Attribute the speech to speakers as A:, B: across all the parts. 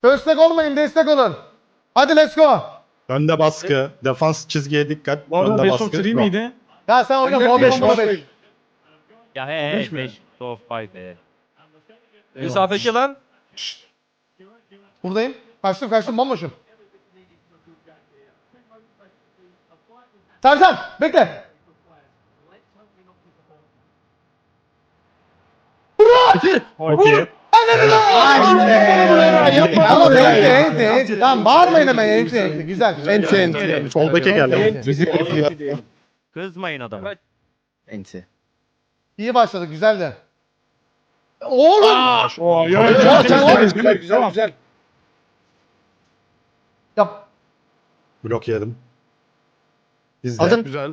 A: Destek olmayın, destek olun. Hadi let's go.
B: Önde baskı. Defans çizgiye dikkat.
C: Bu arada
B: Önde
C: best of
B: baskı.
C: 3 miydi?
A: Ya sen oyna
D: Önder
A: no
D: beş,
A: 5 no
D: boş
A: 5.
D: ver.
E: Ya
C: Beş mi?
E: 5 top 5 be.
C: Mesafeki lan.
A: Buradayım. Kaçtım bomboşum. Sercan bekle.
B: Okey.
A: Ama enti. Tamam bağırmayın hemen enti. Güzel.
B: Enti. Soldaki geldi.
E: Kızmayın adamı.
F: Enti.
A: İyi başladık güzeldi. Oğlum.
D: Güzel.
A: Yap.
B: Blok yedim. Bizde.
F: Aldın.
C: Güzel.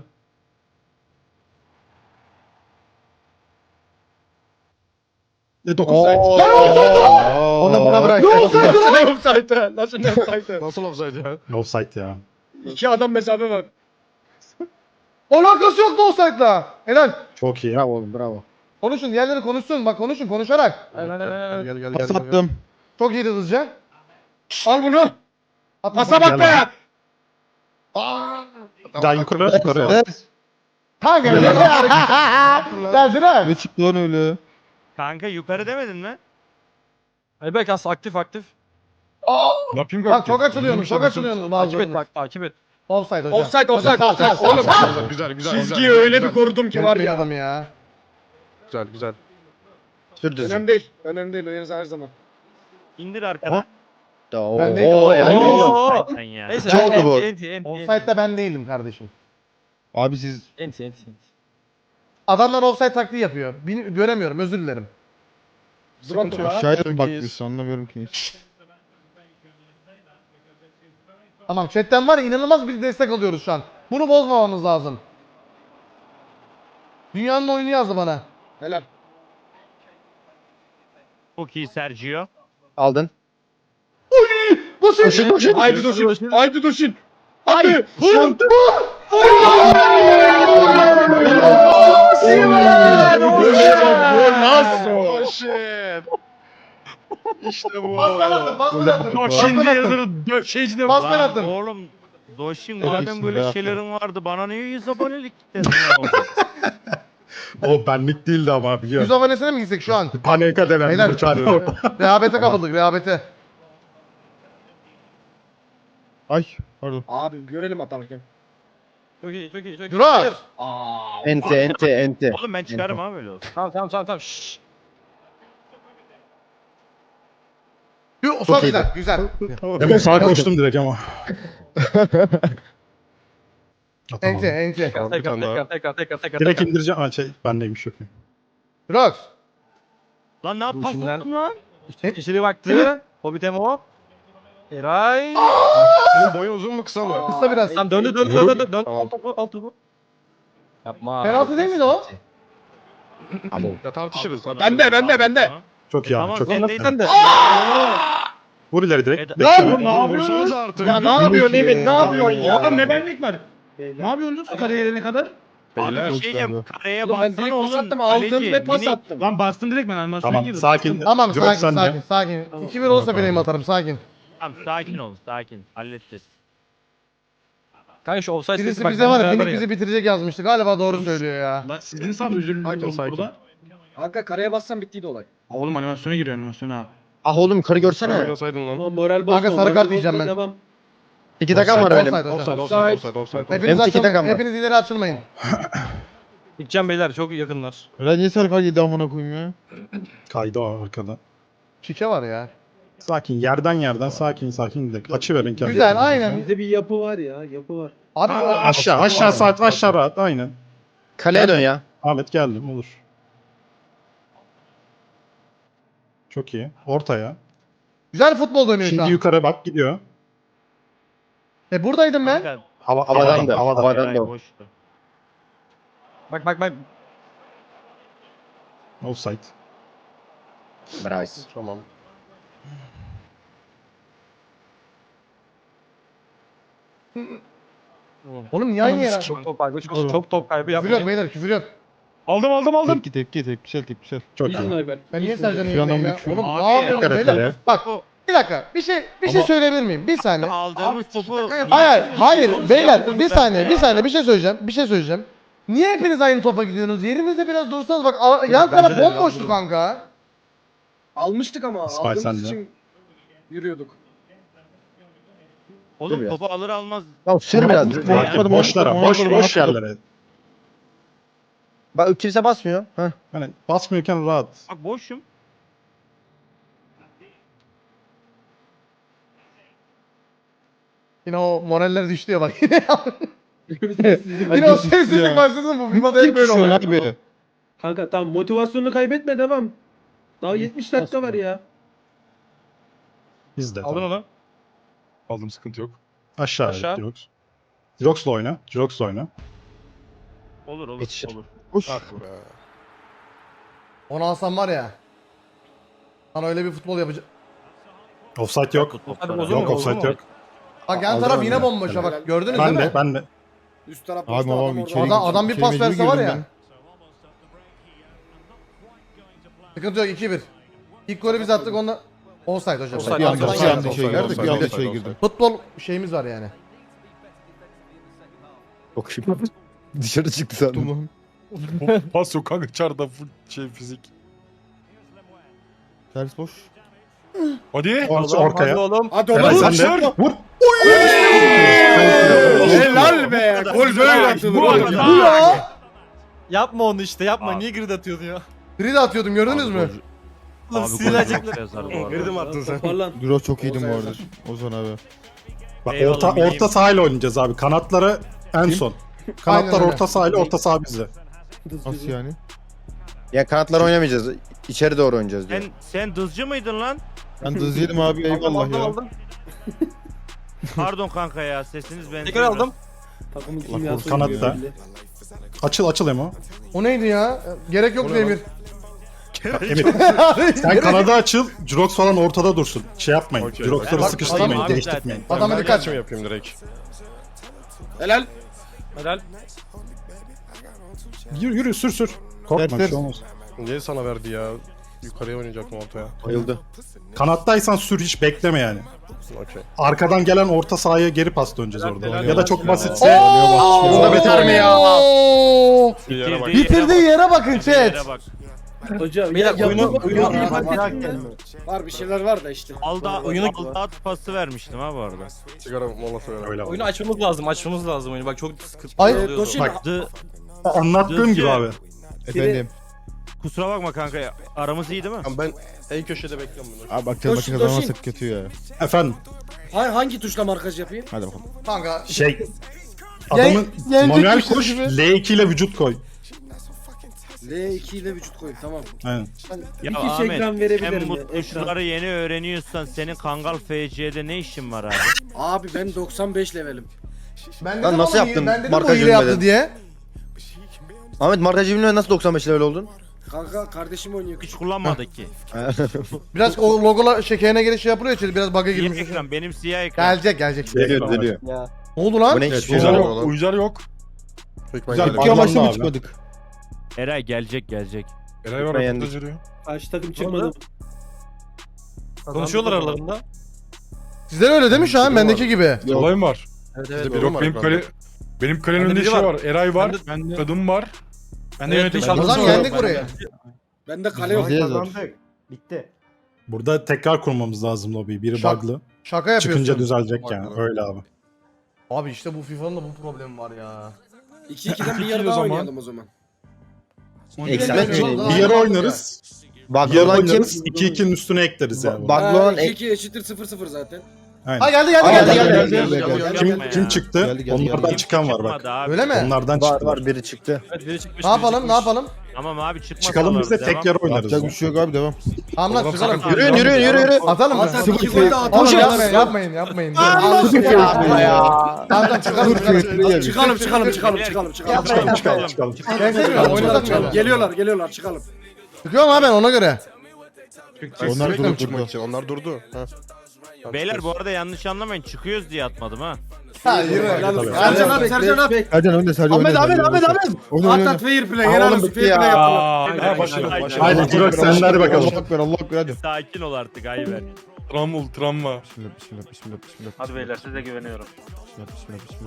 F: Onu bana bırak.
D: Offside. Nasıl ne offside?
C: Nasıl offside ya?
B: Offside ya.
D: İki adam mesafe var.
A: Alakası yoktu offside'la. Helal.
B: Çok iyi.
F: Bravo oğlum bravo.
A: Konuşun diğerleri konuşsun. Bak konuşarak.
C: Gel.
B: Pas attım.
A: Çok iyiydi hızlıca.
D: Al bunu.
A: Atma.
D: Pasa bak be.
B: Daha yukarı.
A: Ha geldi. Geldi ha.
G: Ne çıktı lan öyle?
E: Kanka yukarı demedin mi?
C: Ayberk as aktif.
D: Ne yapayım
A: Bak çok açılıyorsunuz.
C: Takip et
A: Bazılarınız.
C: bak takip et.
A: Offside hocam.
D: Offside.
A: Hocam,
D: Oğlum
C: Güzel
D: çizgiyi öyle bir korudum ki var
A: bir
D: ya.
A: adam ya.
C: Güzel.
F: Sürdü.
D: Önemli değil. Önemli değil. Oynarız her zaman.
E: İndir arkana.
A: Ben de-
F: Oo, helal olsun.
C: Oo.
E: Sen ya.
C: Neyse.
F: Çok oldu bu.
C: Enti.
A: Offside'da ben değilim kardeşim.
G: Abi siz
C: Enti.
A: Adamlar offside taktiği yapıyor. Göremiyorum özür dilerim.
D: Zırat var.
G: şahit
C: Çok
G: mi
C: iyiyiz.
G: bakmıyorsun anlamıyorum ki.
A: Tamam chatten var ya inanılmaz bir destek alıyoruz şu an. Bunu bozmamamız lazım. Dünyanın oyunu yazdı bana.
D: Helal.
E: Çok iyi Sergio.
F: Aldın.
A: Bu şey.
D: Haydi Doşin. Haydi Doşin. Hadi. Nasıl?
C: İşte bu.
A: Bas ben attım.
C: Şimdi yazılı şeycide
A: Bas ben attım.
E: Oğlum Doşin
G: Çok
E: madem
G: iyisin
E: böyle
G: be.
E: şeylerin vardı bana niye 100 abonelik gittin?
B: O benlik değildi ama
A: 100
B: biliyorum.
A: abonesine mi gitsek şu an?
B: Panika denen
A: Beyler.
B: bir çare.
A: Rehabete kapıldık rehabete.
G: Ay pardon.
D: Abi görelim atarken.
C: Çok iyi.
A: Durar.
F: Enti.
E: Oğlum ben çıkarım abi böyle olsun.
C: Tamam. Şşş.
A: Çok
F: Çok
A: güzel.
F: iyiydi.
A: Güzel.
B: Hemen sağa koştum direkt ama. Atamadım.
A: Ente.
C: Tekrar.
B: Direkt indireceğim. Ha şey bendeymiş yok.
A: Rox.
E: Lan ne yapıyorsun
C: Şimdiden-
E: lan?
C: İçeri baktı. Hobbit Emo. Eray.
D: Boyu uzun mu kısa mı?
A: Kısa biraz.
C: Tamam döndü. Dön. Alt topu. Yapma.
A: Penaltı değil miydi o?
D: Ya tartışırız. Bende.
B: Çok iyi abi.
E: Tamam
B: Çok iyi.
E: sen de.
B: Vur ileri direkt.
A: Lan!
D: Ne yapıyorsunuz artık?
A: Ya ne yapıyorsun Emin? Ne yapıyorsun ya?
D: Oğlum ne benlik var?
C: Ne yapıyorsunuz kariyerine kadar?
E: Abi bir şey diyeyim.
G: Beyler.
E: Kareye
D: Oğlum ben
E: baksana
D: direkt pas
E: oğlum.
D: attım. Aldım
E: Kaleci,
D: ve pas
E: minik.
D: attım.
C: Lan bastın direkt ben animasyona
B: Tamam
C: girdim.
B: sakin.
A: Tamam
B: Direkt
A: sakin
B: sende.
A: sakin. 2-1 olsa benim atarım sakin.
E: Tamam sakin ol sakin. Halledeceğiz.
C: Kanka şu offside
A: Birisi
C: sesi bak,
A: bize var ya
C: beraber
A: Minik
C: ya.
A: bizi bitirecek yazmıştı. Galiba doğru söylüyor ya.
C: Lan sizin sandı üzülün burada.
D: Kanka karaya bassan bittiydi olay.
C: Oğlum animasyona giriyor animasyona.
F: Ah oğlum yukarı görsene.
D: Moral
A: Kanka sarı kart yiyeceğim ben.
F: 2 dakikam var benim.
A: Offside hocam.
D: Offside.
A: Hepiniz,
F: Benim 2 dakikam var.
A: hepiniz ileri açılmayın.
C: Gideceğim beyler çok yakınlar.
G: Öyle niye sarı kart yedi amına koyayım ya?
B: Kaydı o arkada.
A: Şike var ya.
B: Sakin yerden sakin gidelim. Açı verin kendinizi.
A: Güzel aynen.
H: Bizde bir yapı var ya, yapı var.
A: Abi
B: Aşağı rahat aynen.
F: Kaleye dön ya.
B: Ahmet geldim olur. Çok iyi. Ortaya.
A: güzel futbol dönüyor şu
B: Şimdi
A: an.
B: yukarı bak gidiyor.
A: Buradaydım ben.
E: Kanka,
F: Havadan da. Havadan
E: Eray
F: da.
E: boştu.
C: Bak.
B: Offside.
F: Bravo.
D: Tamam.
A: Oğlum niye aynı yere?
C: Çok top kaybı. Çok top kaybı
A: Küfür yok
C: yapmayın.
A: beyler küfür yok.
C: Aldım.
G: Tepki. Tepkisel.
B: Çok
D: İyisin
B: iyi.
D: Ayber.
A: Ben niye Sercan'ı
G: Şu an
A: yiyeyim ya?
G: bir küfür.
A: Oğlum
C: Abi
A: ne yapıyorsun
B: dikkat et
A: beyler?
B: kaleye.
A: Bak Bir dakika. Bir şey söyleyebilir miyim? Bir saniye.
E: Aldığımız topu
A: Hayır beyler bir saniye bir şey söyleyeceğim. Niye hepiniz aynı topa gidiyorsunuz? Yerinizde biraz dursanız bak yan taraf bomboştu kanka.
D: Almıştık ama
B: İsmail
D: aldığımız
B: sen de.
D: için yürüyorduk.
F: Dur
E: oğlum
F: ya.
E: topu alır almaz.
F: Tamam sür biraz.
B: Boşlara, boş yerlere.
F: Bak kimse basmıyor. Heh.
B: Hani basmıyorken rahat.
E: Bak boşum.
A: Yine o moraller düştü ya bak yine. Yine o sessizlik başlasın bu FIFA'da hep böyle
G: Şu an
A: oluyor.
G: abi.
H: Kanka tamam motivasyonunu kaybetme devam. Daha 70 dakika var ya.
B: Biz de.
C: Aldın
B: tamam.
C: onu. Aldım, sıkıntı yok.
B: Aşağı.
C: Aşağı.
B: Jirox. Jirox'la oyna. Jirox'la oyna.
E: Olur
F: Yetişir.
E: olur.
G: Koş.
A: Onu alsam var ya. Sana öyle bir futbol yapacak.
B: Offside yok.
C: Hadi bozulma,
B: Yok offside
C: bozulma.
B: yok.
A: Bak yan taraf yine bomboş ha bak gördünüz
B: Ben
A: değil mi?
B: de, ben de.
D: Üst taraf
G: Abi babam içeri
A: Adam bir
G: içeri
A: pas
G: mecbur
A: verse var
G: girdim
A: ya.
G: ben.
A: Sıkıntı yok 2-1. İlk golü biz attık onda. Offside hocam.
C: Offside.
G: Bir anda
C: Offside,
G: içeri
C: offside,
G: girdim.
C: offside,
G: Bir anda
C: offside,
G: içeri
C: offside.
G: girdim.
A: Futbol şeyimiz var yani.
F: Çok şimdi. Dışarı çıktı sandım.
G: Tamam.
C: Pas yok kanka, çarda full fizik.
G: Ters boş.
C: Hadi.
B: Ortaya.
C: oğlum.
D: Hadi
B: Eray
D: oğlum.
B: sen de. Vur.
D: Helal be. Gol böyle atılır.
E: Bu
D: oğlum
E: arada-
D: ya.
A: Bu ya.
I: Yapma onu işte yapma.
E: Abi.
I: Niye grid atıyorsun ya?
A: Grid atıyordum gördünüz mü?
I: Oğlum
E: Abi gol
I: sığınacaklar.
E: çok yazar bu arada.
C: Girdim attın sen.
H: Toparlan.
G: Duro çok iyiydim bu
D: Ozan
G: arada. Ozan abi.
B: Bak
E: Eyvallah,
B: orta sahayla oynayacağız abi. Kanatları en son. Kanatlar
A: Aynen öyle.
B: orta sahayla, orta saha bizde.
G: Nasıl yani?
F: Ya kanatlar oynamayacağız. İçeri doğru oynayacağız diyor.
E: Sen dızcı mıydın lan?
G: Ben de yedim abi eyvallah ya.
E: Pardon kanka ya sesiniz benziyor.
I: Tekrar aldım.
H: Takımın
G: Allah
H: kimyası
B: korusun,
H: uyuyor
B: kanatta.
H: belli.
B: Açıl Emo.
A: O neydi ya? Gerek yok Emir.
B: Emir sen kanada açıl. Jirox falan ortada dursun. Şey yapmayın.
C: Okey.
B: Jirox'ları
A: Bak,
B: sıkıştırmayın,
E: adam-
B: değiştirmeyin.
A: Adama dikkat.
C: yapayım direkt.
D: Helal.
I: Helal.
B: Yürü sür. Korkma
G: Ters,
B: bir şey olmaz.
C: Niye sana verdi ya? Yukarıya oynayacaktım ortaya.
F: Bayıldı.
B: Kanattaysan sür, hiç bekleme yani.
C: Okey.
B: Arkadan gelen orta sahaya geri pas döneceğiz orada.
I: helal,
B: Ya da çok
I: helal.
B: basitse
A: Oo!
F: Bunda biter mi ya?
A: Oo!
C: Bir yere bak.
A: Bitirdiği yere bakın chat.
E: Yere bak.
H: Hocam
I: Beyler,
H: ya,
I: oyunu-
H: yapma,
I: oyunu-
H: oyunu-
D: Var bir şeyler var da işte.
I: Oyunu-
E: Aldat pası vermiştim ha bu arada.
C: Sigara molası ver.
B: öyle
I: Oyunu
B: var.
I: açmamız lazım oyunu. Bak çok sıkıntı
A: Ay,
I: oluyor.
D: Doşin,
B: Bak.
E: The,
B: Anlattığım gibi abi.
G: Efendim.
E: kusura bakma kanka ya. Aramız iyi değil mi?
C: Ben en köşede bekliyorum bunu.
G: Abi bak canım
D: Doşin,
G: başına
D: Doşin.
G: kazanırsak kötü ya.
B: Efendim
D: hangi tuşla markaj yapayım?
G: Hadi bakalım.
A: Kanka
B: adamın
A: yenecek
B: manuel
A: bir şey
B: koş
A: gibi.
B: L2 ile vücut koy.
D: L2 ile vücut koyayım tamam.
B: Aynen.
E: Ya
H: İki
E: Ahmet,
H: ekran verebilir
E: sen
H: mi?
E: bu
H: Ekran.
E: tuşları yeni öğreniyorsan senin Kangal FC'de ne işin var abi?
D: Abi ben 95 levelim.
A: ben
F: Lan
A: dedim
F: nasıl
A: ama
F: yaptın?
A: Ben dedim
F: Markaj
A: o hile yaptı
F: ölmeden.
A: diye.
F: Ahmet markacı bilmeden nasıl 95 level oldun?
D: Kanka kardeşim oynuyor.
E: Hiç kullanmadık ki.
A: Biraz o logola şekerine göre şey yapılıyor içeri biraz bug'a
E: Siyah
A: girmiş.
E: ekran benim siyah ekran.
A: Gelecek.
F: Düzeliyor.
A: Ne oldu lan?
F: Bu ne
C: Evet,
F: hiçbir şey
C: uycar
F: yok.
C: yok. Uycar yok. Peki ben
B: Güzel,
C: gelirim.
G: İki amaçlı
B: Bağlandı
G: mı
B: abi.
G: çıkmadık?
E: Eray gelecek.
C: Eray var.
F: Ben
C: röportaj
F: yendik.
C: veriyor.
H: Karşı takım çıkmadı.
I: Konuşuyorlar aralarında.
A: Sizler öyle değil mi şu an bendeki gibi?
C: Olayım var.
I: Evet
C: Bizde
I: evet.
C: bir yok. Benim kalenin
I: Bende
C: önünde
I: biri
C: şey
I: var.
C: var. Eray var. Kadın var.
I: Ben de yönetici
A: O zaman geldik buraya.
D: Bende kale yok.
G: Bizde zor.
B: Burada tekrar kurmamız lazım lobiyi. Biri
A: Şak-
B: bug'lı.
A: Şaka yapıyorsun.
B: Çıkınca düzelecek yani. Öyle abi.
A: Abi işte bu FIFA'nın da bu problemi var ya.
D: 2-2'den bir yarı daha oynayalım o zaman.
F: Eksilmez mi?
B: Bir yere oynarız. Bir
F: Bug'lı
B: yere
F: olan kim?
B: oynarız. 2-2'nin üstüne ekleriz yani.
F: Bug'lı olan
D: 2-2 eşittir 0-0 zaten.
A: Ha
B: Aynen.
A: geldi.
B: Kim çıktı?
G: Geldi.
B: Onlardan çıkan var bak.
E: Çıkmadı abi.
A: Öyle mi?
B: Onlardan
F: Var
B: çıktı.
F: var biri çıktı.
I: Evet, biri çıkmış,
A: Ne
I: biri
A: yapalım?
I: çıkmış.
A: Ne yapalım?
E: Tamam abi çıkmasalar.
B: Çıkalım biz de
E: devam.
B: tek yer oynarız.
G: Yapacak bir şey yok abi devam.
A: Tamam lan çıkalım.
F: Yürüyün.
A: Atalım mı?
D: Zaten 2 gol de
A: Oğlum
D: atalım.
A: yapmayın. Yapma ya. Tamam çıkalım.
D: Çıkalım.
B: Çıkalım.
A: Ben seviyorum oynasak mı?
D: Geliyorlar çıkalım.
A: Çıkıyorum abi ben ona göre.
G: Onlar durup durdu.
C: Onlar durdu. Ha.
E: Beyler bu arada yanlış anlamayın çıkıyoruz diye atmadım ha.
A: Ha yürü.
D: Sercan at.
G: Sercan önde Sercan önde.
A: At fair play. Helal olsun fair play yapalım.
C: Ha başlayalım.
B: Haydi Jirox sen de hadi bakalım.
G: Allah ekber Allah ekber hadi.
E: Sakin ol artık Ayber.
I: Travma.
G: Bismillah.
E: Hadi beyler size güveniyorum.
G: Bismillah.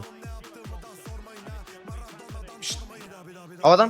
F: Havadan.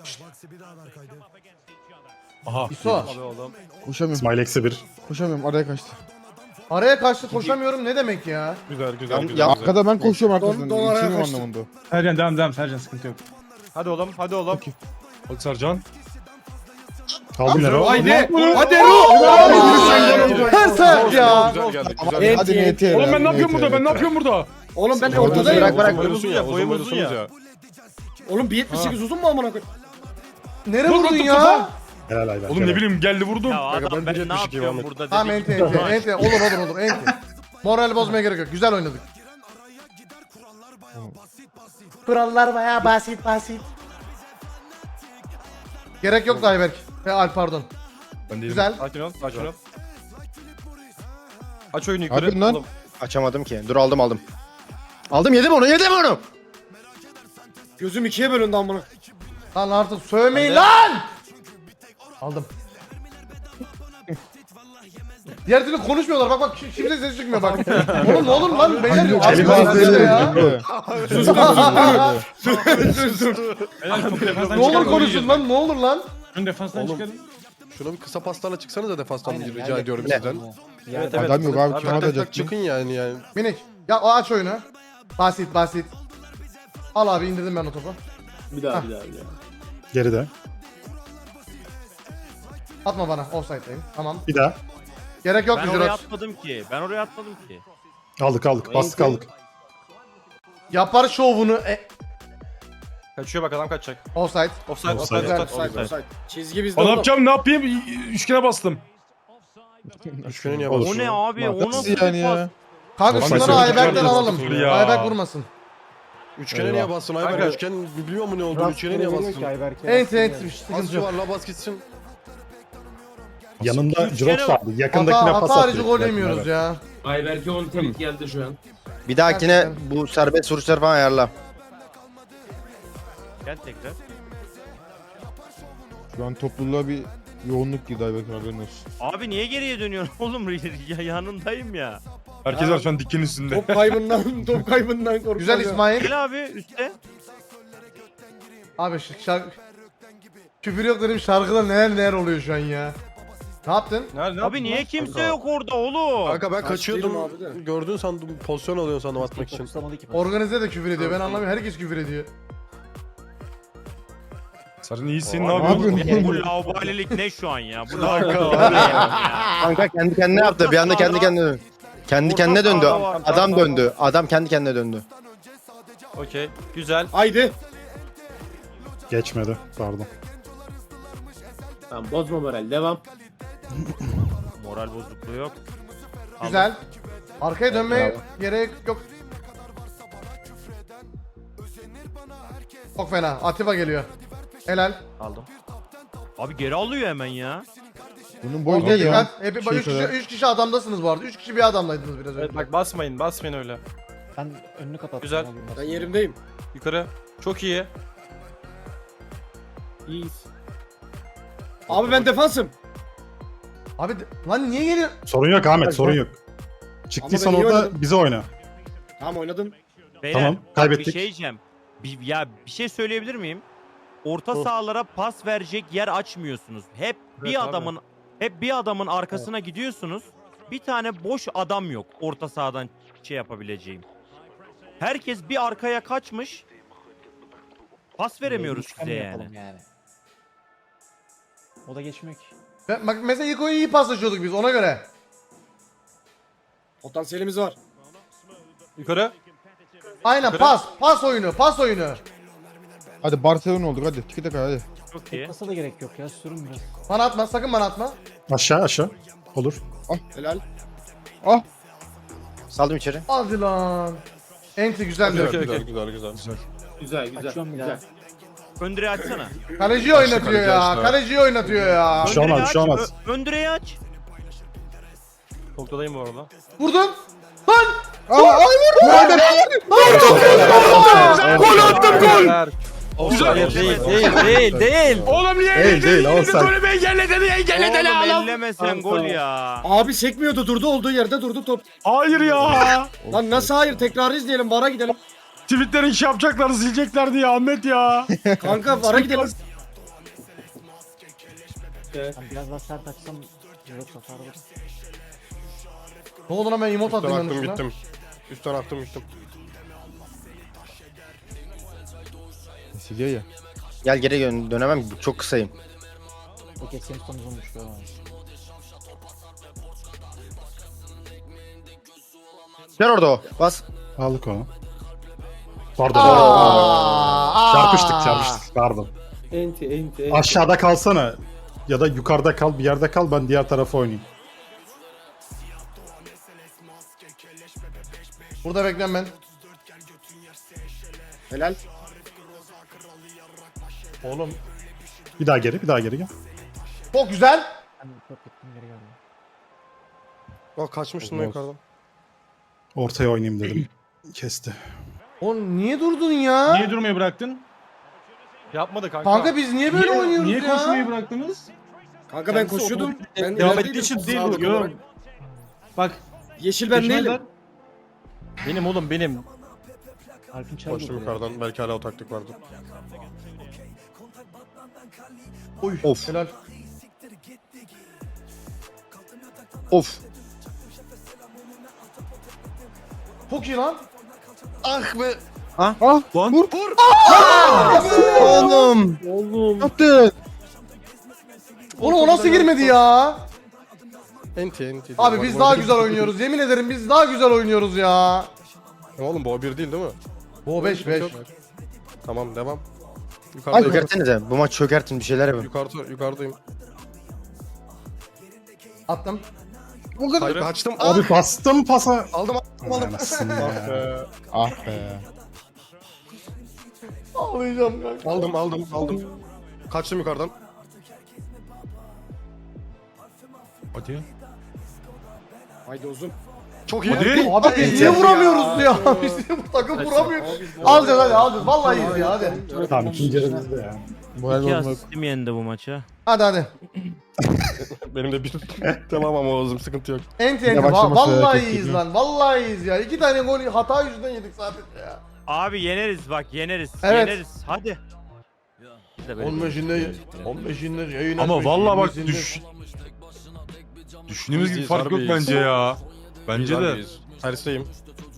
A: İso.
I: Abi oğlum.
G: Koşamıyorum.
B: İsmail eksi 1.
G: Koşamıyorum. Araya kaçtı.
A: Araya kaçtı koşamıyorum ne demek ya?
F: Ya,
G: Arkada ben koşuyorum arkasından.
D: Don araya
G: İçinim
D: kaçtı.
G: anlamında.
C: Sercan devam Sercan sıkıntı yok.
I: Hadi oğlum hadi oğlum.
C: Hadi Sercan.
B: Kaldı Nero.
D: Haydi. Hadi Ero.
A: Ters ayak ya.
G: Hadi NT.
C: Oğlum ben ne yapıyorum burada? Ben ne yapıyorum burada?
D: Oğlum ben
F: Bırak
D: ortadayım.
F: bırak.
I: Boyumuzun ya boyumuzun ya.
D: Oğlum 1.78 uzun mu amına koyayım?
A: Nereye
C: Vur,
A: vurdun
C: vurdum
A: ya?
C: kafa.
B: Helal Ayberk.
C: Oğlum ne bileyim geldi vurdum.
E: Ya adam ben ne yapıyorum burada
A: Tamam
E: dedik.
A: ente. Olur ente. Moral bozmaya gerek yok. Güzel oynadık. Kurallar bayağı basit. Gerek yoktu Ayberk. Alp pardon.
C: Ben değilim.
A: Güzel.
I: Sakin ol sakin ol. Aç oyunu yukarı.
G: Hadi lan.
I: Oğlum.
F: Açamadım ki. Dur aldım. Aldım yedim onu.
D: Gözüm ikiye bölündü amına.
A: Lan artık sövmeyin lan! Aldım. Diğer türlü konuşmuyorlar bak kimse ses çıkmıyor bak. Oğlum ne olur lan beyler yok.
G: Kelime
A: Abi,
G: ağzıyla
A: ya.
C: Helal, çok defans
A: Ne olur konuşun lan ne olur lan.
C: Ön defanstan çıkarın.
J: Şuna bir kısa paslarla çıksanıza defanstan rica ediyorum
F: Ne?
J: sizden.
I: Evet
G: Adam yok abi. Kim
J: Tak tak
G: atacak?
J: tak çıkın yani.
A: Minik. Ya o aç oyunu. Basit. Al abi indirdim ben o topu.
H: Bir daha.
B: Geride.
A: Atma bana offside'dayım. Tamam.
B: Bir daha.
A: Gerek yok
E: Ben oraya
A: Jurox.
E: atmadım ki. Ben oraya atmadım ki.
B: Aldık. Bastık aldık.
A: Yapar şovunu.
I: Kaçıyor bak adam kaçacak.
A: Offside.
I: Offside
B: Offside.
I: offside.
D: Offside. Çizgi bizde
C: Ne
D: oğlum.
C: yapacağım ne yapayım? Üçgene bastım.
J: Üçgene niye
B: Olur.
E: O ne abi? O nasıl
G: Nasıl yani
E: bir
G: ya?
A: Kanka
B: Offside
A: şunları
B: yok,
A: Ayberk'ten
B: yok,
A: alalım.
C: yok ya.
A: Ayberk vurmasın.
J: Üçgene niye bastın Ayberk?
I: Kanka.
J: Üçgen biliyor mu ne olduğunu? Üçgene niye bastın?
A: Ente
J: Az
A: sıkıntı yok.
J: yuvarla bas gitsin.
B: Yanında
E: Üç
B: Jirox
E: kere-
B: abi. Yakındakine pas
A: Hata harici
B: atıyor.
A: gol yemiyoruz ya.
H: Ayberk'e 10 tweet geldi şu an.
F: Bir dahakine bu serbest vuruşları falan ayarla.
E: Gel tekrar.
G: Şu an topluluğa bir yoğunluk girdi Ayberk haberin olsun.
E: Abi niye geriye dönüyorsun oğlum? Ya yanındayım ya.
C: Herkes var şu an dikin üstünde.
D: Top kaybından korkuyorum.
A: Güzel İsmail.
E: Gel abi üstte.
A: Abi şarkı... Küfür yok dedim şarkıda neler oluyor şu an ya. Ne yaptın?
I: Nerede?
E: Abi niye kimse yok orada oğlum?
J: Kanka ben
D: Kaç
J: kaçıyordum.
D: değilim abi de.
J: Gördün sandım pozisyon alıyorsun sandım atmak için.
A: Organize de küfür ediyor ben anlamıyorum herkes küfür ediyor.
C: Sercan iyisin ne
G: Ne
C: yapıyorsun?
G: yapıyorsun?
E: Bu laubalilik ne şu an ya? Bu
F: Kanka kendi kendine yaptı. Bir anda kendi kendine döndü. Kendi kendine döndü. Adam döndü. Adam kendi kendine döndü.
I: Okey. Güzel.
D: Haydi.
B: Geçmedi. Pardon.
H: Tamam bozma moral devam.
E: Moral bozukluğu yok.
A: Güzel. Arkaya dönmeye gerek yok. Çok fena. Atiba geliyor. Helal.
E: Aldım. Abi geri alıyor hemen ya.
G: Bunun boyu ne
A: Okey
G: ya?
A: dikkat. Hep
G: Şey
A: 3 kişi,
G: kadar.
A: 3 kişi adamdasınız bu arada. 3 kişi bir adamdaydınız biraz önce.
I: Evet bak basmayın öyle.
K: Ben önünü kapattım.
I: Güzel.
D: Ben yerimdeyim.
I: Yukarı. Çok iyi.
H: İyiyiz.
D: Abi ben defansım.
A: Abi lan niye geliyor?
B: Sorun yok Ahmet sorun yok. Çıktıysan
D: Ama ben iyi
B: orada
D: oynadım.
B: bize oyna.
D: Tamam oynadım.
E: Beyler,
B: Tamam,
E: bak
B: kaybettik.
E: Bir şey diyeceğim. Bir şey söyleyebilir miyim? Orta sahalara pas verecek yer açmıyorsunuz. Hep bir adamın arkasına gidiyorsunuz. Bir tane boş adam yok orta sahadan şey yapabileceğim. Herkes bir arkaya kaçmış. Pas veremiyoruz size yani.
K: O da geçmiyor ki.
A: Bak mesela ilk oyunu iyi paslaşıyorduk biz ona göre.
D: Potansiyelimiz var.
I: Yukarı.
A: Aynen pas oyunu.
G: Hadi Barcelona olduk hadi. Tiki taka hadi.
E: Çok iyi.
K: Pasa da gerek yok ya sürün biraz.
A: Bana atma sakın bana atma.
B: Aşağı. Olur.
D: Helal.
F: Saldım içeri.
A: Hadi lan. Enti güzeldi.
H: Güzel.
K: Açıyorum bir daha.
E: Öndüreyi açsana.
A: Kaleciyi oynatıyor ya. Kaleciyi oynatıyor ya.
B: Bir şey olmaz, bir şey olmaz.
E: Öndüreyi aç.
I: Noktadayım bu arada.
A: Vurdun. Lan.
G: Aa, ay vurdu.
I: Gol attım gol. Hayır değil.
C: Oğlum niye
F: Değil, değil, offside.
C: Golümü engelledi niye engelledi
E: Oğlum
C: lan?
E: ellemesen gol ya.
D: Abi sekmiyordu, durdu, olduğu yerde durdu top.
C: Hayır ya.
D: Lan nasıl hayır, tekrarı izleyelim, VAR'a gidelim.
C: Tweetlerin iş yapacaklar, silecekler diye Ahmet ya.
D: Kanka VAR'a gidelim.
K: Ben biraz daha sert açsam yoksa sarılır.
A: Ne oldu lan ben emote
J: Üstten
A: attım
J: attım
A: yanlışlıkla.
J: gittim. Üstten attım gittim.
G: Siliyor ya.
F: Gel geri dönemem ki, çok kısayım.
K: Peki Simpson uzunmuş ya.
F: Gel orada o. Bas.
B: Aldık onu. Pardon.
A: Aa,
B: Çarpıştık. Pardon.
H: Enti.
B: Aşağıda kalsana. Ya da yukarıda kal, bir yerde kal, ben diğer tarafa oynayayım.
A: Burada beklen ben.
D: Helal.
B: Oğlum. Bir daha geri gel.
A: Çok güzel.
K: Ben çok gittim geri geldim.
J: Bak kaçmıştın lan yukarıdan.
B: Ortaya oynayayım dedim. Kesti.
A: Oğlum niye durdun ya?
C: Niye durmayı bıraktın?
I: Yapmadı kanka.
A: Kanka biz niye böyle oynuyoruz
C: Niye
A: ya?
C: koşmayı bıraktınız?
D: Kanka ben koşuyordum. Ben
C: Devam
D: ilerideydim,
C: ettiği için değil
D: sağlık
C: bu.
D: olarak.
C: Bak.
D: Yeşil ben
C: Düşmezler.
D: değilim.
I: Benim oğlum benim.
K: Alp'in çarpı
J: Koştum yukarıdan. Belki hala o taktik vardı.
A: Oy.
F: Of.
A: Helal.
F: Of.
A: Çok iyi lan.
J: Ah be.
F: Oğlum.
H: Oğlum.
F: Yaptın.
A: Oğlum o nasıl girmedi ya?
J: Enti.
A: Abi biz daha güzel oynuyoruz. Yemin ederim biz daha güzel oynuyoruz ya.
J: Oğlum bu o 1 değil mi?
A: Bu 5.
J: Tamam devam. Yukarıdayım.
F: Çökertinize. Bu maç çökertin, bir şeyler yapın.
J: Yukarıdayım.
A: Attım.
J: Hayır kaçtım.
B: Abi bastım pasa.
J: Aldım.
B: Anasını
J: Ah
B: ya.
J: be.
G: Ah be.
A: Ağlayacağım kanka.
J: Aldım. Kaçtım yukarıdan.
G: Hadi.
D: Haydi uzun.
J: Çok iyi.
A: Abi biz niye vuramıyoruz ya? Biz niye bu takım vuramıyor? Alacağız hadi alacağız. Vallahi iyiyiz ya hadi.
B: Tamam ikinci yarımızda ya.
G: Moral
E: İki
G: olmak.
E: asistim yendi bu maça.
A: Hadi.
J: Benim de bir tamam ama Oğuz'um sıkıntı yok.
A: Enti.
G: Yine başlaması
A: Vallahi
G: çok
A: iyiyiz
G: kötü.
A: lan. Vallahi iyiyiz ya. 2 tane gol hata yüzünden yedik sadece ya.
E: Abi yeneriz bak yeneriz.
A: Evet.
E: Yeneriz. Hadi. Biz de böyle
G: 15'inde yayın
C: Ama
G: açmış,
C: vallahi bak
G: 20'sinde
C: düşündüğümüz gibi
J: Biz
C: fark yok
J: harbiyiz.
C: bence ya. Bence de.
J: Tersteyim.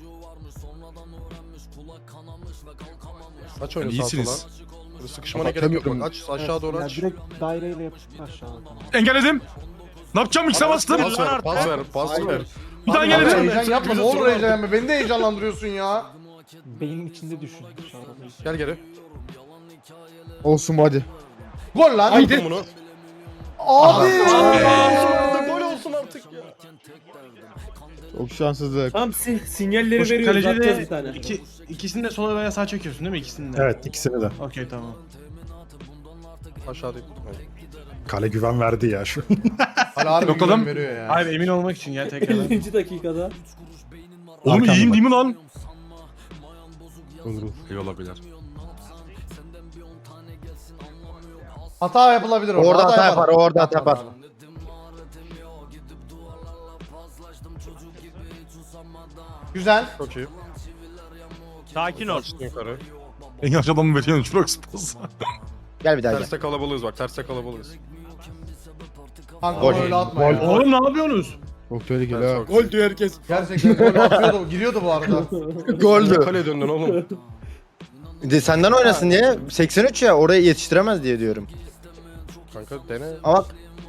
J: Aç oyunu
C: Yani
J: sağa
C: iyisiniz.
J: sola. Böyle sıkışmana gerek yok bak. Aç aşağı doğru
K: Ya
J: aç.
K: direkt daireyle yapıştır aşağıya. Tamam.
C: Engelledim. Ne yapacağım X'e bastım.
J: Pas ver.
C: Bir daha
A: Abi
C: engelledim.
A: heyecan yapma. Ne olur heyecan yapma. Beni de heyecanlandırıyorsun ya.
K: Beynin içinde düşün. Dışarıda değil.
J: Gel geri.
G: Olsun bu hadi.
A: Gol lan.
J: Haydi. Bunu.
A: Abi.
J: Gol olsun artık ya.
G: Çok şanssızlık.
H: Tamam sinyalleri
C: Koş,
H: veriyoruz.
C: kaleci
H: Atacağız
C: de
H: bir tane.
C: ikisini de sola veya sağa çekiyorsun değil mi ikisini de?
B: Evet ikisini de.
C: Okey tamam.
J: Aşağıdayım.
B: Kale güven verdi ya şu.
A: Hala harbi
C: Yok oğlum.
A: güven veriyor ya.
C: Hayır emin olmak için ya tekrardan.
H: 50. dakikada.
C: Oğlum
B: Arkamda
C: iyiyim
B: bak.
C: değil mi lan?
G: Olur.
C: İyi olabilir.
A: Hata yapılabilir orada.
F: Orada hata yapar, orada hata yapar.
A: Güzel.
J: Çok iyi.
E: sakin ol.
J: Açtım yukarı.
C: En yaşlı adamı veriyorsun çok spaz.
F: Gel bir daha gel.
J: Terste kalabalığız bak. Terste kalabalığız.
A: Kanka
F: Gol.
A: öyle atma
B: Gol.
A: ya.
C: Oğlum ne yapıyorsunuz?
G: Çok tehlikeli
J: Ters
G: ha.
J: bak.
D: Gol diyor herkes.
A: Gerçekten gol atıyordu. Giriyordu bu arada.
F: Goldü.
J: Kaleye döndün oğlum.
F: De senden oynasın diye. 83 ya, oraya yetiştiremez diye diyorum.
J: Kanka dene.
F: Ama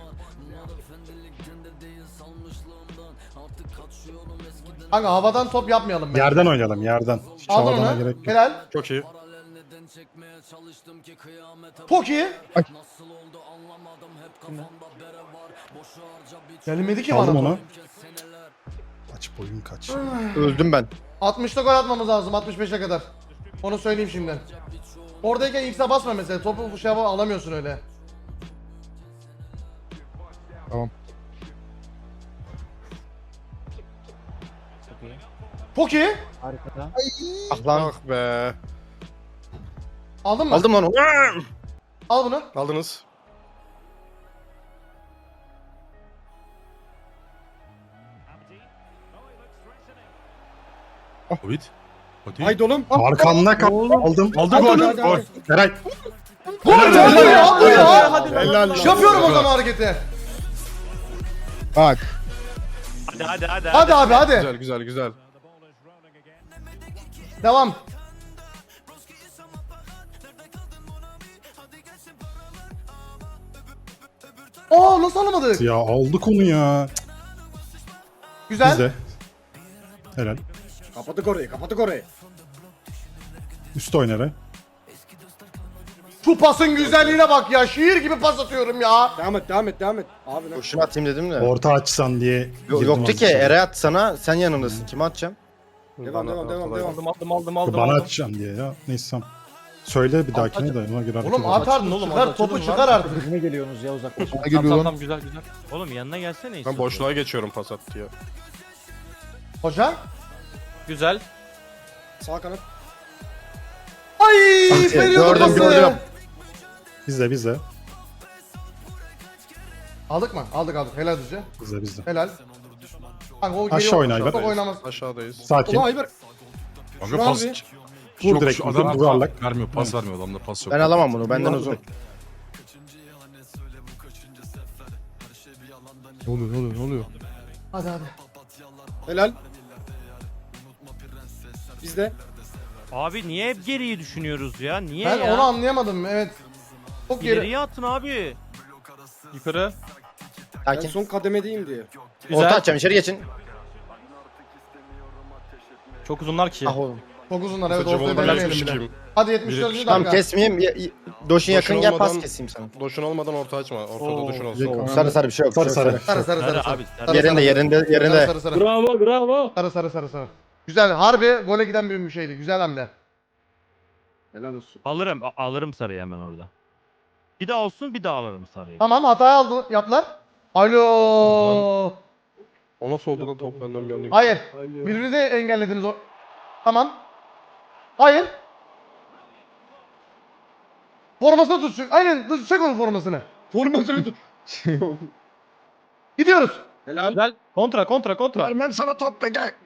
A: Kanka havadan top yapmayalım bence.
B: Yerden oynayalım yerden. Hiç
A: Aldın
B: havadana
A: onu.
B: gerek yok.
A: Helal.
J: Çok iyi.
A: Çok iyi. Gelmedi ki
B: Aldım
A: bana.
B: onu. Kaç boyun kaç.
F: öldüm ben.
A: 60'ta gol atmamız lazım 65'e kadar. Onu söyleyeyim şimdiden. Oradayken X'e basma mesela. Topu bu şey alamıyorsun öyle.
G: Tamam.
K: Çok iyi.
A: Çok iyi.
K: Harikada.
F: Ah lan.
J: Ah be.
A: Aldın mı?
F: Aldım lan onu.
A: Al bunu.
J: Aldınız.
G: Hobbit. Hadi.
D: Haydi oğlum.
B: Arkamda kal. Aldım.
G: Aldı
D: Hadi,
G: gol.
D: hadi,
G: Gol.
D: hadi.
B: Eray.
A: Gol ya, bu ya.
D: Helal lan.
A: Yapıyorum o zaman hareketi.
G: Bak.
E: Hadi.
A: Hadi abi hadi.
J: Güzel güzel güzel.
A: Devam. Aa nasıl alamadık?
B: Ya aldık onu ya.
A: Güzel.
B: Biz de. Helal.
D: Kapattık orayı, kapattık orayı.
B: Üst oyna Eray.
A: Şu pasın güzelliğine bak ya. Şiir gibi pas atıyorum ya.
D: Devam et, devam et, devam et. Abi ne?
F: Şunu atayım dedim de.
B: Orta açsan diye. girdim
F: Yoktu
B: az
F: ki
B: içeri.
F: Eray at sana. Sen yanındasın. Kime atacağım?
D: Devam, devam, devam, devam.
B: Bana atacağım diye ya. Neyse tamam. Söyle bir dahakine de ona göre hareket
A: Oğlum
B: edelim.
A: at artık.
I: oğlum,
A: Çıkar
I: hadi
A: topu
I: açalım
A: çıkar artık.
K: Birbirine geliyorsunuz ya uzaklaşın.
G: Ne geliyor lan?
I: Tamam güzel.
E: Oğlum yanına gelsene
J: Ben
E: İsa.
J: boşluğa geçiyorum pas at diye.
A: Hoca.
I: Güzel.
D: Sağ kanat.
A: Ay
F: Gördüm,
A: veriyordu pası.
F: gördüm.
B: Biz de.
A: Aldık mı? Aldık. Helal düzce.
B: Biz de.
A: Helal. Kanka o geri
B: Aşağı oyna Ayber.
A: Çok oynamaz.
J: Aşağıdayız.
B: Sakin.
D: Ulan Ayber.
G: Kanka
D: Şu
G: pas.
D: abi.
B: Vur
G: Yok,
B: direkt.
G: şu adam
B: yuvarlak.
G: vermiyor. Pas vermiyor. Adamda pas yok.
F: Ben alamam bunu. Benden uzun.
G: Ne oluyor? Ne oluyor? Ne oluyor?
A: Hadi hadi.
D: Helal. Bizde.
E: Abi niye hep geriyi düşünüyoruz ya? Niye
A: Ben
E: ya?
A: onu anlayamadım evet. Çok geri.
E: İleriye atın abi.
I: Yukarı.
D: Ben
F: Sakin.
D: son kademedeyim diye.
I: Güzel.
F: Orta atacağım. İçeri geçin.
I: Çok uzunlar ki.
F: Ah oğlum.
A: Çok uzunlar evet.
J: Kısaca
A: Ortaya
J: bol
A: denemeyelim
J: vermiş
A: bile.
J: kim?
A: Hadi 74.
F: Tamam
A: dakika.
F: kesmeyeyim. Doşun yakın
J: Boşun
F: gel pas
J: olmadan-
F: keseyim sana.
J: Boşun olmadan orta açma. Ortada duşun olsun.
F: Sarı sarı bir şey yok.
B: Sarı,
F: bir şey yok,
B: sarı.
A: Sarı sarı sarı.
E: Sarı
A: sarı.
E: abi.
A: Sarı,
F: Yerinde
A: sarı.
F: yerinde yerinde.
A: Sarı sarı.
H: Bravo bravo.
A: Sarı sarı sarı sarı. Güzel. Harbi gole giden bir şeydi. Güzel hamle.
D: Helal olsun.
E: Alırım sarıyı hemen orada. Bir daha olsun bir daha alırım sarıyı.
A: Tamam hatayı aldı. Yaptılar. Alo.
J: O nasıl oldu lan top benden bir anda?
A: Hayır. Birbirinizi engellediniz o. Tamam. Hayır. Formasını tut. Aynen çek onun formasını.
D: Formasını tut.
A: Gidiyoruz.
D: Helal.
I: Güzel. Kontra.
D: Vermem sana top be gel.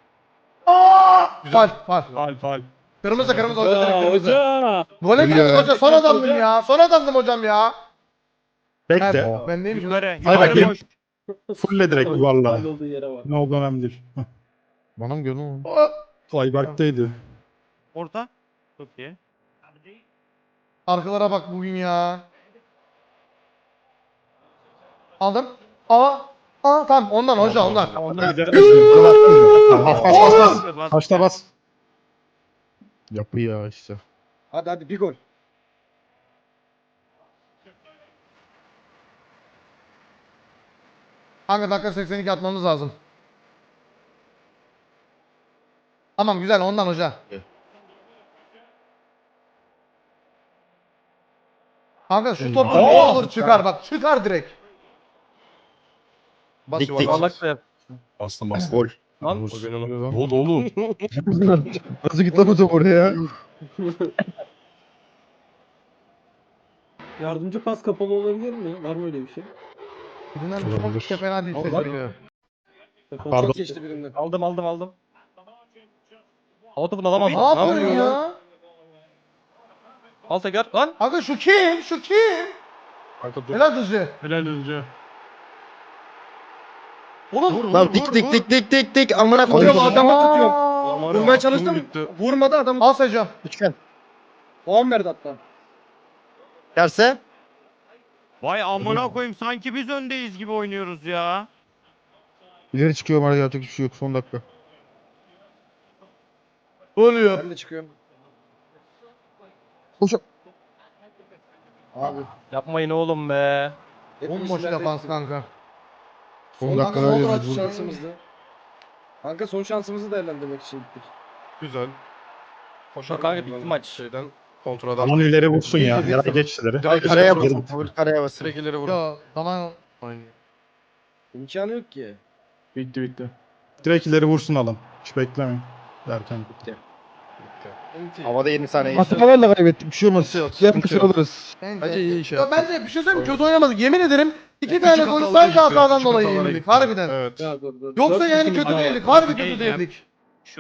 A: Fal fal.
I: Faal.
A: Kırmızı kırmızı hoca direkt kırmızı.
H: Hoca.
A: Gole gidiyoruz hoca. Son adamdım ya. Son adamdım hocam ya.
B: Bekle.
A: Evet, ben neyim?
E: Yukarı.
B: Hay
E: Yukarı
B: bakayım.
E: boş.
B: Fulle direkt yuvarla.
H: Olduğu yere bak.
B: Ne oldu önemli değil.
G: Bana mı gördün oğlum?
B: Ayberk'teydi.
E: Orta. Çok iyi.
A: Arkalara bak bugün ya. Aldım. Aa tamam ondan hoca ondan.
I: Onlar güzel.
B: Bas. Taşta bas.
G: Yapı ya işte.
D: Hadi hadi bir gol.
A: Kanka dakika 82 atmamız lazım. Tamam güzel ondan hoca. Kanka şu topu ne olur çıkar bak çıkar direkt.
J: Bas
F: Dik, dik.
J: yuvarlak.
I: Yuvarlak da yap.
G: Bastım bastım.
F: Gol.
I: Lan.
J: O benim
G: Ne oldu oğlum? Nasıl gitti lan o top oraya?
H: Yardımcı pas kapalı olabilir mi? Var mı öyle bir şey?
A: Birinden
B: Olabilir.
A: çok fena değil.
H: Allah.
B: Pardon.
D: Çok geçti birinden.
I: Aldım. Hava topunu alamaz.
A: Ne yapıyorsun ya?
I: Al tekrar. Lan.
A: Kanka şu kim? Şu kim?
J: Kanka dur.
A: Helal düzü.
I: Helal Özcü.
A: Oğlum.
F: Lan dik dik amına koyayım.
D: Hocam adamı tutuyorum.
A: Aa.
D: Vurmaya çalıştım. Vurmadı adam.
A: Al Secam.
F: Üçgen.
D: Puan verdi hatta.
F: Derse
E: Vay amına koyayım sanki biz öndeyiz gibi oynuyoruz ya.
G: İleri çıkıyorum arada yapacak hiçbir şey yok. Son dakika.
A: Oluyor.
D: Ben de çıkıyorum.
G: Koşun.
D: Abi.
I: Yapmayın oğlum be.
A: Bomboş defans kanka.
G: Son
D: Kanka
G: dakika
D: son
G: öyle
D: durak
G: bir vurdu.
D: şansımızdı. Kanka son şansımızı değerlendirmek için gittik.
J: Güzel. Koşar.
I: Kanka bitti maç.
J: Şeyden kontradan.
B: Aman ileri vursun ya. Yaray geç ileri.
J: Direkt
F: karaya
J: vurun.
F: basın. Full karaya basın.
J: Direkt ileri vurun.
A: Ya tamam.
D: İmkanı yok ki.
B: Direkt ileri vursun adam. Hiç beklemeyin. Derken.
F: Havada 20 saniye.
G: Hatalarla kaybettik. Bir şey olmaz. Yapmış oluruz.
C: Bence iyi iş
A: Ya
C: yaptı.
A: bence bir şey söyleyeyim mi? Kötü oynamadık. Yemin ederim 2 tane golü sadece hatadan dolayı yenildik. Harbiden.
C: Evet.
H: Ya dur.
A: Yoksa
H: Dört
A: yani
H: kişinin
A: kötü
H: ayağı-
A: değildik. Harbi kötü değildik.